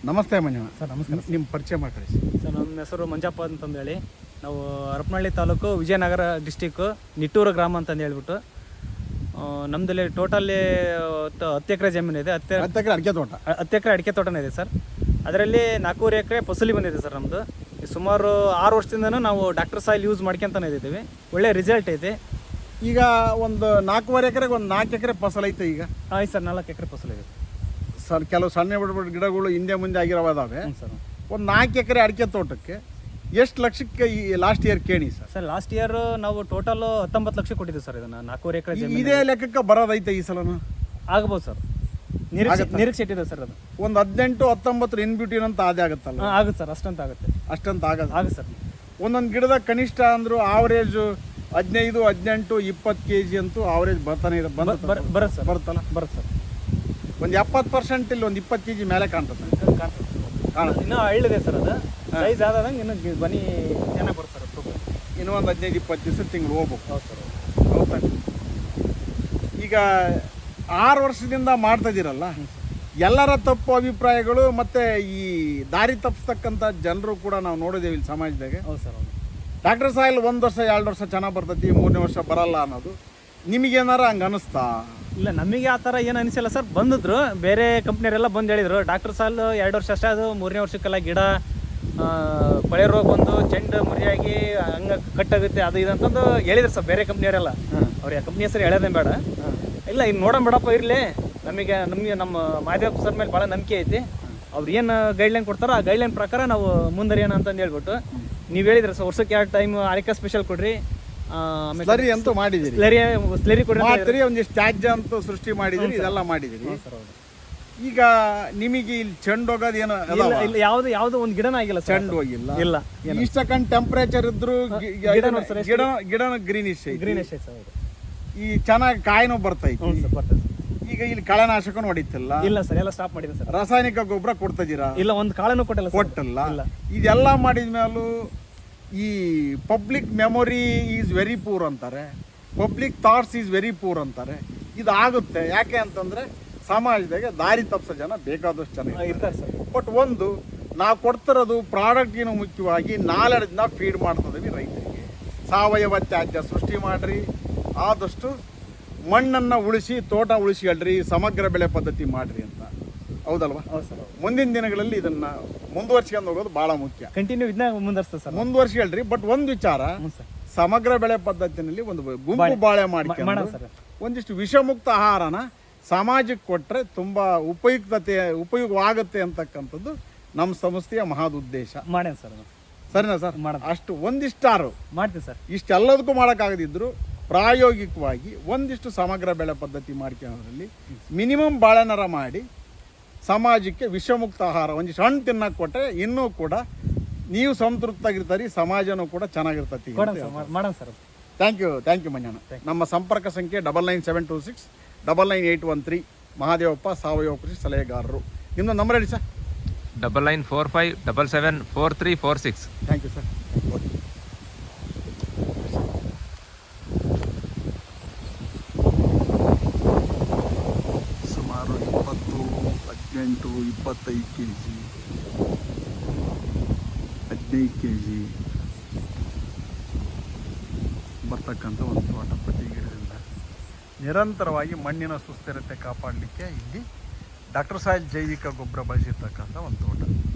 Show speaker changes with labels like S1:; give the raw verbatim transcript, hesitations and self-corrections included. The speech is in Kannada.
S1: ನಮಸ್ತೆ ಮಂಜಣ್ಣ
S2: ಸರ್. ನಮಸ್ಕಾರ
S1: ನಿಮ್ಮ ಪರಿಚಯ ಮಾಡಿ
S2: ಸರ್. ನಮ್ಮ ಹೆಸರು ಮಂಜಪ್ಪ ಅಂತಂದೇಳಿ, ನಾವು ಹರಪನಹಳ್ಳಿ ತಾಲೂಕು ವಿಜಯನಗರ ಡಿಸ್ಟಿಕ್ಕು ನಿಟ್ಟೂರು ಗ್ರಾಮ ಅಂತಂದು ಹೇಳ್ಬಿಟ್ಟು ನಮ್ಮದಲ್ಲಿ ಟೋಟಲ್ಲಿ ಹತ್ತು ಎಕರೆ ಜಮೀನು ಇದೆ. ಹತ್ತು
S1: ಹತ್ತು ಎಕರೆ ಅಡಿಕೆ ತೋಟ
S2: ಹತ್ತು ಎಕರೆ ಅಡಿಕೆ ತೋಟನೇ ಇದೆ ಸರ್. ಅದರಲ್ಲಿ ನಾಲ್ಕೂವರೆ ಎಕರೆ ಫಸಲಿ ಬಂದಿದೆ ಸರ್. ನಮ್ಮದು ಸುಮಾರು ಆರು ವರ್ಷದಿಂದನೂ ನಾವು ಡಾಕ್ಟರ್ ಸಾಯಿಲ್ ಯೂಸ್ ಮಾಡ್ಕೊಂತಾನೆ ಇದ್ದೀವಿ. ಒಳ್ಳೆ ರಿಸಲ್ಟ್ ಐತೆ.
S1: ಈಗ ಒಂದು ನಾಲ್ಕೂವರೆ ಎಕರೆಗೆ ಒಂದು ನಾಲ್ಕು ಎಕರೆ ಫಸಲು ಐತೆ. ಈಗ
S2: ಆಯ್ತು ಸರ್, ನಾಲ್ಕು ಎಕರೆ ಫಸಲು ಇದೆ
S1: ಸರ್. ಕೆಲವು ಸಣ್ಣ ಬಿಡ ಬಿಡ ಗಿಡಗಳು ಹಿಂದೆ ಮುಂದೆ ಆಗಿರೋದಾವೆ
S2: ಸರ್.
S1: ಒಂದು ನಾಲ್ಕು ಎಕರೆ ಅಡಿಕೆ ತೋಟಕ್ಕೆ ಎಷ್ಟು ಲಕ್ಷಕ್ಕೆ ಈ ಲಾಸ್ಟ್ ಇಯರ್ ಕೇಳಿ ಸರ್?
S2: ಸರ್ ಲಾಸ್ಟ್ ಇಯರ್ ನಾವು ಟೋಟಲ್ ಹತ್ತೊಂಬತ್ತು ಲಕ್ಷ ಕೊಟ್ಟಿದ್ದೀವಿ ಸರ್. ಇದನ್ನು ನಾಲ್ಕೂವರೆ ಎಕರೆ ಜಮೀನು
S1: ಇದೇ ಲೆಕ್ಕಕ್ಕೆ ಬರೋದೈತೆ ಈ ಸಲನು?
S2: ಆಗ್ಬೋದು ಸರ್, ನಿರೀಕ್ಷೆ ನಿರೀಕ್ಷೆ ಇಟ್ಟಿದೆ ಸರ್. ಅದು
S1: ಒಂದು ಹದಿನೆಂಟು ಹತ್ತೊಂಬತ್ತರ ಇನ್ ಬ್ಯೂಟಿನ್ ಅಂತ ಅದೇ ಆಗುತ್ತಲ್ಲ?
S2: ಹಾಂ ಆಗುತ್ತೆ ಸರ್, ಅಷ್ಟಂತ ಆಗುತ್ತೆ.
S1: ಅಷ್ಟಂತ ಆಗಲ್ಲ
S2: ಆಗುತ್ತೆ ಸರ್.
S1: ಒಂದೊಂದು ಗಿಡದ ಕನಿಷ್ಠ ಅಂದ್ರು ಆವರೇಜು ಹದಿನೈದು ಹದಿನೆಂಟು ಇಪ್ಪತ್ತು ಕೆ ಜಿ ಅಂತೂ ಆವರೇಜ್ ಬರ್ತಾನೆ ಇದೆ.
S2: ಬರುತ್ತೆ ಸರ್,
S1: ಬರುತ್ತಲ್ಲ?
S2: ಬರುತ್ತೆ ಸರ್.
S1: ಒಂದು ಎಪ್ಪತ್ತು ಪರ್ಸೆಂಟ್ ಇಲ್ಲಿ ಒಂದು ಇಪ್ಪತ್ತು ಕೆ ಜಿ ಮೇಲೆ ಕಾಣ್ತದೆ.
S2: ಕಾಣುತ್ತೆ. ಇನ್ನೂ ಹಳ್ಳಿದೆ ಸರ್. ಅದು ಸೈಜ್ ಆದಂಗೆ ಇನ್ನು ಬನ್ನಿ ಚೆನ್ನಾಗಿ ಬರುತ್ತೆ ಸರ್. ತೂಕ
S1: ಇನ್ನೂ ಒಂದು ಹದಿನೈದು ಇಪ್ಪತ್ತು ದಿವಸ ತಿಂಗಳು ಹೋಗ್ಬೇಕು.
S2: ಹೌದು ಸರ್.
S1: ಹೌದಾ? ಈಗ ಆರು ವರ್ಷದಿಂದ ಮಾಡ್ತಾ ಇದ್ದೀರಲ್ಲ, ಎಲ್ಲರ ತಪ್ಪು ಅಭಿಪ್ರಾಯಗಳು ಮತ್ತು ಈ ದಾರಿ ತಪ್ಪಿಸ್ತಕ್ಕಂಥ ಜನರು ಕೂಡ ನಾವು ನೋಡಿದ್ದೇವೆ ಇಲ್ಲಿ ಸಮಾಜದಾಗೆ.
S2: ಹೌದು ಸರ್. ಹೌದು.
S1: ಡಾಕ್ಟರ್ ಸಾಯಿಲ್ ಒಂದು ವರ್ಷ ಎರಡು ವರ್ಷ ಚೆನ್ನಾಗಿ ಬರ್ತೈತಿ, ಮೂರನೇ ವರ್ಷ ಬರಲ್ಲ ಅನ್ನೋದು ನಿಮಗೇನಾರ ಹಂಗೆ ಅನಿಸ್ತಾ?
S2: ಇಲ್ಲ, ನಮಗೆ ಆ ಥರ ಏನು ಅನಿಸಿಲ್ಲ ಸರ್. ಬಂದಿದ್ರು ಬೇರೆ ಕಂಪ್ನಿಯವರೆಲ್ಲ ಬಂದು ಹೇಳಿದರು ಡಾಕ್ಟರ್ ಸಾಲ್ ಎರಡು ವರ್ಷ ಅಷ್ಟೇ, ಅದು ಮೂರನೇ ವರ್ಷಕ್ಕೆಲ್ಲ ಗಿಡ ಕೊಳೆ ರೋಗ ಬಂದು ಚೆಂಡು ಮುರಿಯಾಗಿ ಹಂಗೆ ಕಟ್ಟಾಗುತ್ತೆ ಅದು ಇದು ಅಂತಂದು ಹೇಳಿದ್ರು ಸರ್ ಬೇರೆ ಕಂಪ್ನಿಯವರೆಲ್ಲ. ಅವ್ರು ಕಂಪ್ನಿ ಹೆಸರು ಹೇಳೋದೇ ಬೇಡ. ಇಲ್ಲ ಇನ್ನು ನೋಡೋಣ ಬಿಡಪ್ಪ ಇರಲಿ, ನಮಗೆ ನಮಗೆ ನಮ್ಮ ಮಾದೇವ್ ಸರ್ ಮೇಲೆ ಭಾಳ ನಂಬಿಕೆ ಐತಿ. ಅವ್ರು ಏನು ಗೈಡ್ಲೈನ್ ಕೊಡ್ತಾರೋ ಆ ಗೈಡ್ಲೈನ್ ಪ್ರಕಾರ ನಾವು ಮುಂದರಿಯೋಣ ಅಂತಂದು ಹೇಳ್ಬಿಟ್ಟು ನೀವು ಹೇಳಿದ್ರೆ ಸರ್ ವರ್ಷಕ್ಕೆ ಎರಡು ಟೈಮ್ ಆರಿಕಾ ಸ್ಪೆಷಲ್ ಕೊಡ್ರಿ,
S1: ಸ್ಲರಿ ಅಂತೂ ಮಾಡಿದಿರಿ,
S2: ಸ್ಲರಿ ಸ್ಲರಿ ಕೊಡ್ರಿ
S1: ಮಾಡ್ತೀರಿ, ಒಂದಿಷ್ಟು ತ್ಯಾಜ್ಯ ಅಂತೂ ಸೃಷ್ಟಿ ಮಾಡಿದಿರಿ, ಇದೆಲ್ಲ ಮಾಡಿದಿರಿ. ಈಗ ನಿಮಗೆ ಇಲ್ಲಿ ಚೆಂಡು ಹೋಗೋದು ಏನು
S2: ಇಲ್ಲ, ಯಾವ್ದು ಯಾವ್ದು ಒಂದು ಗಿಡನ ಆಗಿಲ್ಲ,
S1: ಚೆಂಡು ಹೋಗಿಲ್ಲ.
S2: ಇಲ್ಲ,
S1: ಇಷ್ಟಕ್ಕಂಡ್ ಟೆಂಪರೇಚರ್ ಇದ್ರು ಗಿಡ ಗಿಡ ಗ್ರೀನಿಶ್
S2: ಗ್ರೀನಿಶ್
S1: ಈ ಚೆನ್ನಾಗಿ ಕಾಯಿನೂ ಬರ್ತೈತಿ.
S2: ಬರ್ತದೆ.
S1: ಈಗ ಇಲ್ಲಿ ಕಳೆನಾಶಕನು ಹೊಡಿತಿಲ್ಲ?
S2: ಇಲ್ಲ ಸರ್, ಎಲ್ಲ ಸ್ಟಾಪ್ ಮಾಡಿದೆ ಸರ್.
S1: ರಾಸಾಯನಿಕ ಗೊಬ್ಬರ ಕೊಡ್ತಿದ್ದೀರಾ?
S2: ಇಲ್ಲ, ಒಂದು ಕಾಳನ್ನು ಕೊಟ್ಟಿಲ್ಲ,
S1: ಕೊಟ್ಟಿಲ್ಲ. ಇದೆಲ್ಲ ಮಾಡಿದ್ಮೇಲೂ ಈ public memory is very poor ಅಂತಾರೆ, public thoughts is very poor ಅಂತಾರೆ. ಇದು ಆಗುತ್ತೆ ಯಾಕೆ ಅಂತಂದ್ರೆ ಸಮಾಜದಾಗೆ ದಾರಿ ತಪ್ಪಿಸೋ ಜನ ಬೇಕಾದಷ್ಟು ಜನ
S2: ಇರ್ತಾರೆ ಸರ್.
S1: ಬಟ್ ಒಂದು ನಾವು ಕೊಡ್ತಿರೋದು ಪ್ರಾಡಕ್ಟಿನ ಮುಖ್ಯವಾಗಿ ನಾಲೆಡ್ಜ್ನ ಫೀಡ್ ಮಾಡ್ತಿದ್ದೀವಿ ರೈತರಿಗೆ. ಸಾವಯವ ತ್ಯಾಜ್ಯ ಸೃಷ್ಟಿ ಮಾಡ್ರಿ, ಆದಷ್ಟು ಮಣ್ಣನ್ನು ಉಳಿಸಿ ತೋಟ ಉಳಿಸ್ಕೊಳ್ರಿ, ಸಮಗ್ರ ಬೆಳೆ ಪದ್ಧತಿ ಮಾಡ್ರಿ ಅಂತ. ಹೌದಲ್ವಾ?
S2: ಹೌದು ಸರ್.
S1: ಮುಂದಿನ ದಿನಗಳಲ್ಲಿ ಇದನ್ನ ಮುಂದುವರ್ಸ್ಕೊಂಡು ಹೋಗೋದು ಬಹಳ ಮುಖ್ಯ.
S2: ಕಂಟಿನ್ಯೂ ಇದನ್ನ ಮುಂದುವರ್ಸ್ತದೆ ಸರ್,
S1: ಮುಂದುವರ್ಸ್ಕೊಳ್ರಿ. ಬಟ್ ಒಂದು ವಿಚಾರ, ಸಮಗ್ರ ಬೆಳೆ ಪದ್ಧತಿನಲ್ಲಿ ಒಂದು ಗುಂಪು ಬಾಳೆ ಮಾಡ್ಕೊಂಡು ಒಂದಿಷ್ಟು ವಿಷಮುಕ್ತ ಆಹಾರನ ಸಮಾಜಕ್ಕೆ ಕೊಟ್ಟರೆ ತುಂಬ ಉಪಯುಕ್ತತೆ ಉಪಯೋಗವಾಗುತ್ತೆ ಅಂತಕ್ಕಂಥದ್ದು ನಮ್ಮ ಸಂಸ್ಥೆಯ ಮಹದ್ ಉದ್ದೇಶ.
S2: ಮಾಡೇನು ಸರ್.
S1: ಸರಿನಾ ಸರ್? ಅಷ್ಟು ಒಂದಿಷ್ಟಾರು
S2: ಮಾಡ್ತೀನಿ ಸರ್.
S1: ಇಷ್ಟೆಲ್ಲದಕ್ಕೂ ಮಾಡೋಕ್ಕಾಗದಿದ್ರು ಪ್ರಾಯೋಗಿಕವಾಗಿ ಒಂದಿಷ್ಟು ಸಮಗ್ರ ಬೆಳೆ ಪದ್ಧತಿ ಮಾಡ್ಕೊಳ್ಳೋದ್ರಲ್ಲಿ ಮಿನಿಮಮ್ ಬಾಳೆನರ ಮಾಡಿ ಸಮಾಜಕ್ಕೆ ವಿಷಮುಕ್ತ ಆಹಾರ ಒಂದಿಷ್ಟು ಹಣ್ಣು ತಿನ್ನಕ್ಕೆ ಕೊಟ್ಟರೆ ಇನ್ನೂ ಕೂಡ ನೀವು ಸಂತೃಪ್ತಾಗಿರ್ತಾರೆ, ಸಮಾಜನೂ ಕೂಡ ಚೆನ್ನಾಗಿರ್ತತಿ.
S2: ಮಾಡೋಣ sir.
S1: Thank you thank you Manjanna. ನಮ್ಮ ಸಂಪರ್ಕ ಸಂಖ್ಯೆ double nine seven two six double nine eight one three. Mahadevappa, ಸಾವಯವ ಕೃಷಿ ಸಲಹೆಗಾರರು. ನಿಮ್ಮದು ನಂಬರ್ ಹೇಳಿ sir.
S3: Double nine four five double seven four three four six.
S1: Thank you sir. Okay. ಸುಮಾರು ಇಪ್ಪತ್ತು ಹದಿನೆಂಟು ಇಪ್ಪತ್ತೈದು ಕೆ ಜಿ ಹದಿನೈದು ಕೆ ಜಿ ಬರ್ತಕ್ಕಂಥ ಒಂದು ತೋಟ. ಪ್ರತಿ ಗಿಡದಿಂದ ನಿರಂತರವಾಗಿ ಮಣ್ಣಿನ ಸುಸ್ಥಿರತೆ ಕಾಪಾಡಲಿಕ್ಕೆ ಇಲ್ಲಿ ಡಾಕ್ಟರ್ ಸಾಯಿಲ್ ಜೈವಿಕ ಗೊಬ್ಬರ ಬಳಸಿರ್ತಕ್ಕಂಥ ಒಂದು ತೋಟ.